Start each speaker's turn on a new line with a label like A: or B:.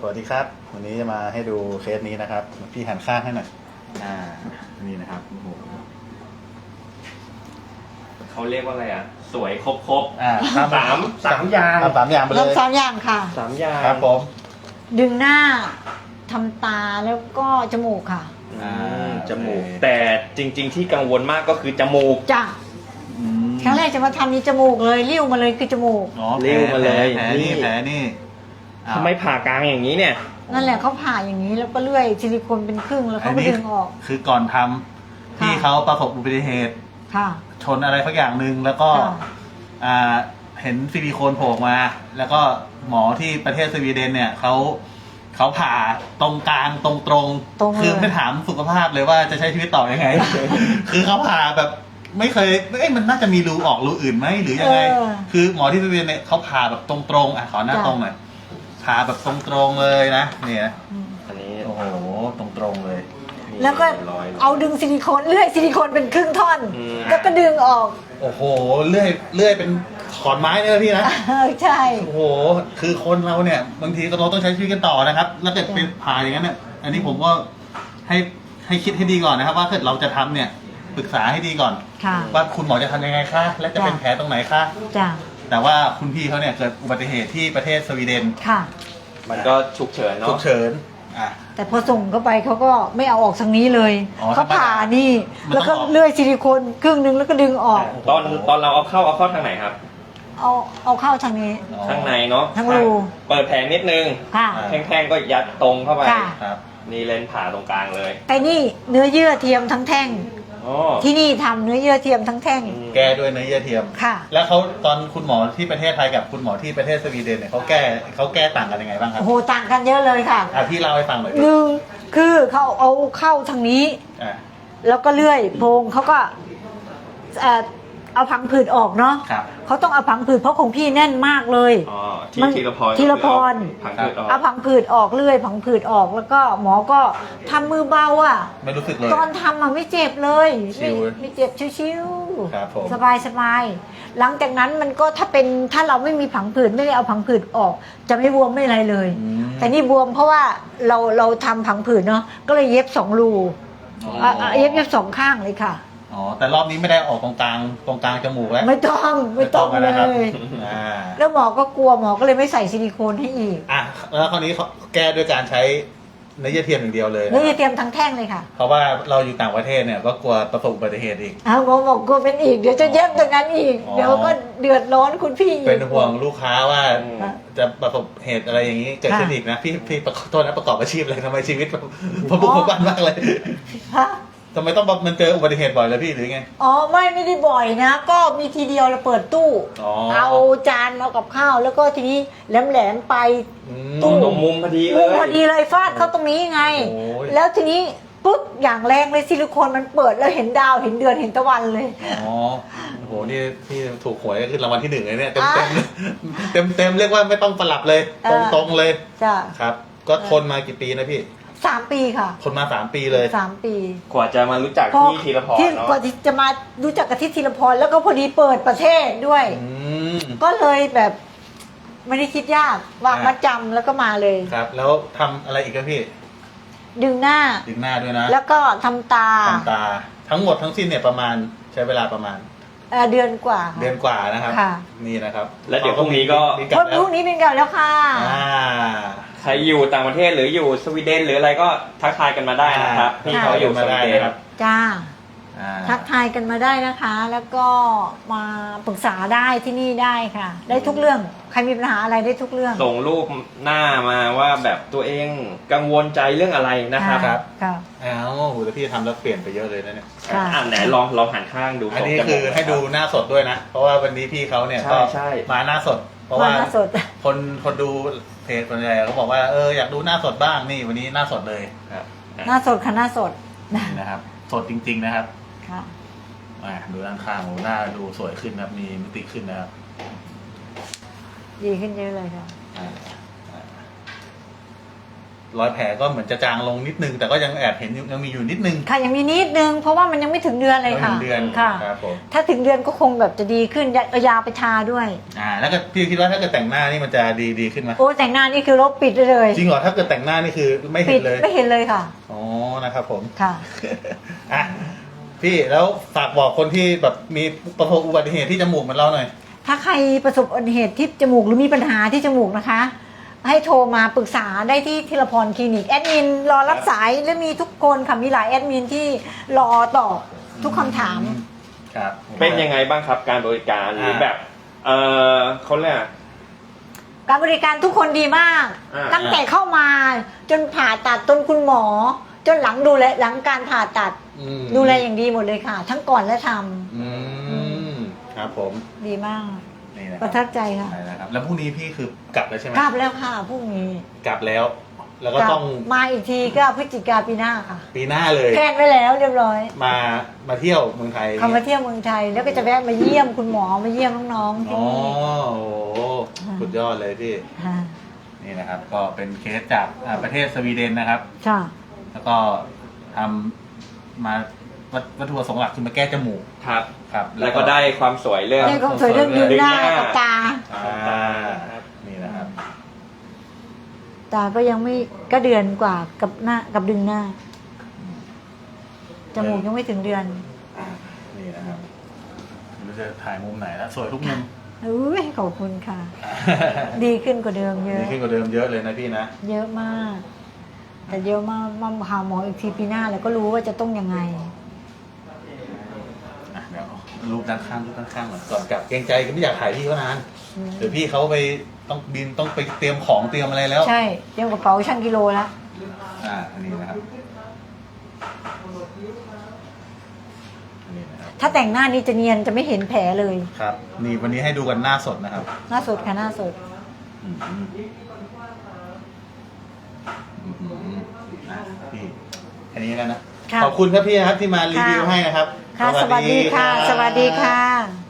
A: วัสดีครับวันนี้จะมาให้ดูเคสนี้นะครับพี่หันข้างให้หน่อยนี่นะครับโอ้โห
B: เขาเรียกว่าอะไรอ่ะสวยครบสามอย่าง
A: สามอย่างไปเลย
C: 3 อย่างค่ะ
B: สามอย่าง
A: ครับผม
C: ดึงหน้าทำตาแล้วก็จมูกค่ะ
B: จมูกแต่จริง ๆ ที่กังวลมากก็คือจมูก
C: จ้ะครั้งแรกจะมาทำนี่จมูกเลยริ้วมาเลยคือจมูก
A: อ๋อ
B: เร็วมาเลย
A: แผลนี่แผลนี่
B: ทำไมผ่ากลางอย่างนี้เนี่ย
C: นั่นแหละเขาผ่าอย่างนี้แล้วก็เลื่อยซิลิโคนเป็นครึ่งแล้วเขาก็ดึงออก
A: คือก่อนทำพี่เขาประสบอุบัติเหตุ
C: ค่ะ
A: ชนอะไรสักอย่างหนึ่งแล้วก็
C: ค่ะ
A: เห็นซิลิโคนโผล่มา แล้วก็หมอที่ประเทศสวีเดนเนี่ยเขาผ่าตรงกลางตรงคือไม่ถามสุขภาพเลยว่าจะใช้ชีวิตต่อยังไง คือเขาผ่าแบบไม่เคยมันน่าจะมีรูออกรูอื่นไหมหรือยังไง คือหมอที่สวีเดนเนี่ยเขาผ่าแบบตรงขอหน้าตรงหน่อยผ่าแบบตรงเลยนะเนี่ย
B: อันนี้
A: โอ้โหตรงเลย
C: แล้วก็เอาดึงซิลิโคนเลื่อยซิลิโคนเป็นครึ่งท่อนแล้วก็ดึงออก
A: โอ้โหเลื่อยเป็นขอนไม้เนี่ยพี่นะ
C: ใช่
A: โอ้โหคือคนเราเนี่ยบางทีก็เราต้องใช้ชีวิตกันต่อนะครับ แล้วเกิดเป็นผ่าอย่างนั้นเนี่ยอันนี้ผมก็ให้คิดให้ดีก่อนนะครับ ว่าถ้าเราจะทำเนี่ยปรึกษาให้ดีก่อน
C: ค่ะ
A: ว่าคุณหมอจะทำยังไงคะและจะเป็นแผลตรงไหนคะ
C: จ้ะ
A: แต่ว่าคุณพี่เขาเนี่ยเกิดอุบัติเหตุที่ประเทศสวีเดน
C: ค่ะ
B: มันก็ฉุกเฉิน
A: ฉุ
B: เนาะ
A: กเฉินอ่ะ
C: แต่พอส่งเข้าไปเขาก็ไม่เอาออกทางนี้เลย
A: อ๋อ
C: เขาผ่านี่
A: มัน
C: แล้ว
A: ต้
C: ก็
A: องออก
C: เลื่อยซิลิโคนครึ่งนึงแล้วก็ดึงออก
B: ตอนเราเอาเข้าทางไหนครับ
C: เอาเข้าทางนี้
B: ข้างในเนาะ
C: ทั้งรู
B: เปิดแผลนิดนึง
C: ค่ะ
B: แท่งๆก็ยัดตรงเข้าไป
C: ค่ะ
A: ครับ
B: นี่เลนผ่าตรงกลางเลย
C: แต่นี่เนื้อเยื่อเทียมทั้งแท่ง
B: อ๋อ
C: ที่นี่ทำเนื้อเยื่อเทียมทั้งแท่ง
A: แก้ด้วยเนื้อเยื่อเทียม
C: ค่ะ
A: แล้วเขาตอนคุณหมอที่ประเทศไทยกับคุณหมอที่ประเทศสวีเดนเนี่ยเขาแก้ต่างกันยังไงบ้างครับ
C: โอ้โหต่างกันเยอะเลยค่ะ
A: พี่เล่าให้ฟังหน่อย
C: หนึ่งคือเขาเอาเข้าทางนี้
A: อ่ะ
C: แล้วก็เลื่อยโพรงเขาก็เอาพังผืดออกเนาะ
A: ครับ
C: เขาต้องเอาพังผืดเพราะของพี่แน่นมากเลย
B: อ๋อ
C: มัน
B: ทีละพร
C: ทีละพร
B: ผังผืดออก
C: เอาพังผืดออกเลื่อยพังผืดออกแล้วก็หมอก็ทำมือเบาอ่ะ
A: ไม่รู้สึกเลย
C: ตอนทำอ่ะไม่เจ็บเลย
A: ชิว
C: ไม่เจ็บชิว
A: ครับผม
C: สบายหลังจากนั้นมันก็ถ้าเราไม่มีผังผืดไม่ได้เอาผังผืดออก จะไม่บวมไม่อะไรเลย
A: อืม
C: แต่นี่บวมเพราะว่าเราทำผังผืดเนาะก็เลยเย็บ2 รู
A: อ๋อ
C: เย็บ2 ข้างเลยค่ะ
A: อ๋อแต่รอบนี้ไม่ได้ออกตรงกลางจมูกแล้ว
C: ไม่ต้องเล
A: นะครับ
C: ย
A: อ่า
C: แล้วหมอก็กลัวหมอก็เลยไม่ใส่ซิลิโคนให้อีก
A: อ่ะแล้วคราวนี้เขาแก้ด้วยการใช้เนื้อเยื่อเทียมอย่างเดียวเลย
C: เนื้อเทียมทั้งแท่งเลยค่ะ
A: เพราะว่าเราอยู่ต่างประเทศเนี่ยก็กลัวประสบอุบัติเหตุอีก
C: หมอบอกกลัวเป็นอีกเดี๋ยวจะเย็บตรงนั้นอีก
A: อ๋อ
C: เดี๋ยวก็เดือดร้อนคุณพี่อีก
A: เป็นห่วงลูกค้าว่า
B: อืม
A: จะประสบเหตุอะไรอย่างนี้เกิดขึ้น
C: ค่ะ
A: อีกนะพี่ขอโทษนะประกอบอาชีพอะไรทำไมชีวิตพอบุกพบันมากเลย
C: ฮะ
A: ทำไมต้องมันเจออุบัติเหตุบ่อยเลยพี่หรือไง
C: อ๋อไม่ได้บ่อยนะ ก็มีทีเดียวเราเปิดตู้
A: อ๋อ
C: เอาจานเอากับข้าวแล้วก็ทีนี้แหลมไป
A: อืม
C: ตู้
B: ตรงมุมพอดีเล
C: มุม
B: ย
C: พอดีเลยฟาดเข้าตรงนี้ไง
A: โอ้ย
C: แล้วทีนี้ปุ๊บอย่างแรงเลยซิลิโคนมันเปิดแล้วเห็นดาวเห็นเดือนเห็นตะวันเลย
A: อ๋อโอ้โหนี่พี่ถูกหวยก็คือรางวัลที่ 1เลยเนี่ยเต็มเรียกว่าไม่ต้องสลับเลย ตรงเลย
C: จ้ะ
A: ครับ ก็ทนมากี่ปีนะพี่
C: 3 ปีค่ะ
A: ทนมา3 ปีเลย
C: 3 ปี
B: กว่าจะมารู้จัก
C: พอ
B: ที่ธีรพร
C: ที่
B: เนาะ
C: กว่าที่จะมารู้จักกับที่ธีรพรแล้วก็พอดีเปิดประเทศด้วย
A: อืม
C: ก็เลยแบบไม่ได้คิดยากวางมัดจำแล้วก็มาเลย
A: ครับ แล้วทำอะไรอีกครับพี่
C: ดึงหน้า
A: ดึงหน้าด้วยนะ
C: แล้วก็ทำตา
A: ทำตาทั้งหมดทั้งสิ้นเนี่ยประมาณใช้เวลาประมาณ
C: เดือนกว่าค่ะ
A: เดือนกว่านะครับ
C: ค่ะ
A: นี่นะครับ
B: แล้วเดี๋ยวพรุ่งนี้ก็
A: มีลับ
C: วัน
A: แล้ว
C: พรุ่งนี้เป็นกันแล้วค่ะ
A: อ่า
B: ใครอยู่ต่างประเทศหรืออยู่สวีเดนหรืออะไรก็ทักทายกันมาได้นะครับ
A: อ่า
B: พี่เขาอยู่สวีเดน
A: ครับ
C: จ้า
A: อ่า
C: ทักทายกันมาได้นะคะ แล้วก็มาปรึกษาได้ที่นี่ได้ค่ะ ได้ทุกเรื่องใครมีปัญหาอะไรได้ทุกเรื่อง
B: ส่งรูปหน้ามาว่าแบบตัวเองกังวลใจเรื่องอะไรนะครับ
A: ครับ
C: ค่ะ
A: อ้าวโหแต่พี่ทำแล้วเปลี่ยนไปเยอะเลยนะเนี่ย
C: ค่ะ
B: ไหนลองหันข้างดู
A: อันนี้
B: ตรงจ
A: คื
B: มู
A: อก ให้ดูหน้าสดด้วยนะ เพราะว่าวันนี้พี่เขาเนี่ย
B: ใช่
A: ก็
B: ใช่
A: มาหน้าสด เพราะ
C: มา
A: ว่า
C: หน้าสด
A: คนดูเพจคนใหญ่เขาบอกว่าอยากดูหน้าสดบ้างนี่วันนี้หน้าสดเลย
B: ครับ
C: หน้าสดค่ะหน้าสด
A: นี่นะครับ สดจริง ๆนะครับ
C: ค่ะ
A: ดูด้านข้างโอ้หน้าดูสวยขึ้นนะครับมีมิติขึ้นนะครับ
C: ดีขึ้นเยอะเลยค่ะ
A: อ่ารอยแผลก็เหมือนจะจางลงนิดนึง แต่ก็ยังแอบเห็นยังมีอยู่นิดนึง
C: ค่ะยังมีนิดนึงเพราะว่ามันยังไม่ถึงเดือนเลยค่ะ
A: ไม่ถึงเดือน
C: ค่ะ
A: ครับผม
C: ถ้าถึงเดือนก็คงแบบจะดีขึ้นเอายาไปทาด้วย
A: แล้วก็พี่คิดว่าถ้าเกิดแต่งหน้านี่มันจะดีขึ้นไหม
C: โอ้แต่งหน้านี่คือลบปิดได้เลย
A: จริงเหรอถ้าเกิดแต่งหน้านี่คือไม่เห็
C: ปิ
A: น
C: ด
A: เลย
C: ไม่เห็นเลยค่ะ
A: อ๋อนะครับผม
C: ค่ะ
A: อ่ะพี่แล้วฝากบอกคนที่แบบมีประสบอุบัติเหตุที่จมูกเหมือนเราหน่อย
C: ถ้าใครประสบอุบัติเหตุที่จมูกหรือมีปัญหาที่จมูกนะคะ ให้โทรมาปรึกษาได้ที่ธีรพรคลินิกแอดมินรอรับสายและมีทุกคนค่ะมีหลายแอดมินที่รอตอบทุกคำถาม
A: ครับ
B: เป็นยังไงบ้างครับการบริการหรือแบบเขาเรียก
C: การบริการทุกคนดีมาก ตั้งแต่เข้ามาจนผ่าตัดจนคุณหมอ จนหลังดูแลหลังการผ่าตัด ดูแลอย่างดีหมดเลยค่ะ ทั้งก่อนและท
A: ครับผม
C: ำดีมาก
A: นี่นะค
C: ป
A: รับ
C: ระทับใจค่ะ
A: ใช่แล้วครับแล้วพรุ่งนี้พี่คือกลับแล้วใช่ไหม
C: กลับแล้วค่ะพรุ่งนี้
A: กลับแล้ว แล้วก็
C: กลับ
A: ต้อง
C: มาอีกทีก็พฤศจิกาปีหน้าค่ะ
A: ปีหน้าเลย
C: แพลนไว้แล้วเรียบร้อย
A: มาเที่ยวเมืองไทย
C: เขามาเที่ยวเมืองไทย แล้วก็จะแวะมาเยี่ยมคุณหมอมาเยี่ยมน้องๆที่
A: อ๋อ
C: นี่
A: โอ้โหสุดยอดเลยพี่
C: ค่ะ
A: นี่นะครับ ก็เป็นเคสจากประเทศสวีเดนนะครับ
C: ค่ะ
A: แล้วก็ทำมาวัตถุประสงค์หลักคือมาแก้จมูก
B: ครับ
A: ครับ
B: แล้วก็ได้ความสวยเรื่อง
C: ได้ความสวยเรื่องดึงหน้ากับตา
A: นี่นะครับ
C: ตาก็ยังไม่ก็เดือนกว่ากับหน้ากับดึงหน้า จมูกยังไม่ถึงเดือน
A: นี่นะครับไม่รู้จะถ่ายมุมไหนแล้วสวยทุกมุม
C: อุ้ยขอบคุณค่ะ ดีขึ้นกว่าเดิมเย
A: ดี
C: อะ
A: ขึ้นกว่าเดิมเยอะเลยนะพี่นะ
C: เยอะมาก แต่เยอะมากมาหาหมออีกทีปีหน้าแล้วก็รู้ว่าจะต้องยังไง
A: เดี๋ยวรูปด้านข้างก่อนก่อนกลับเกรงใจก็ไม่อยากถ่ายพี่เขานานเดี๋ยวพี่เขาไปต้องบินต้องไปเตรียมของเตรียมอะไรแล้ว
C: ใช่เตรียมกระเป๋าชั่งกิโลแล้ว
A: อันนี้นะครับอันนี้นะครับ
C: ถ้าแต่งหน้านี่จะเนียนจะไม่เห็นแผลเลย
A: ครับนี่วันนี้ให้ดูกันหน้าสดนะครับ
C: หน้าสดค่ะหน้าสด
A: อืมพี่แค่นี้แล้วนะ
C: ค่ะ
A: ขอบคุณครับพี่นะครับที่มารีวิวให้นะครับ
C: ค่ะ สวัสดีค่ะ สวัสดีค่ะ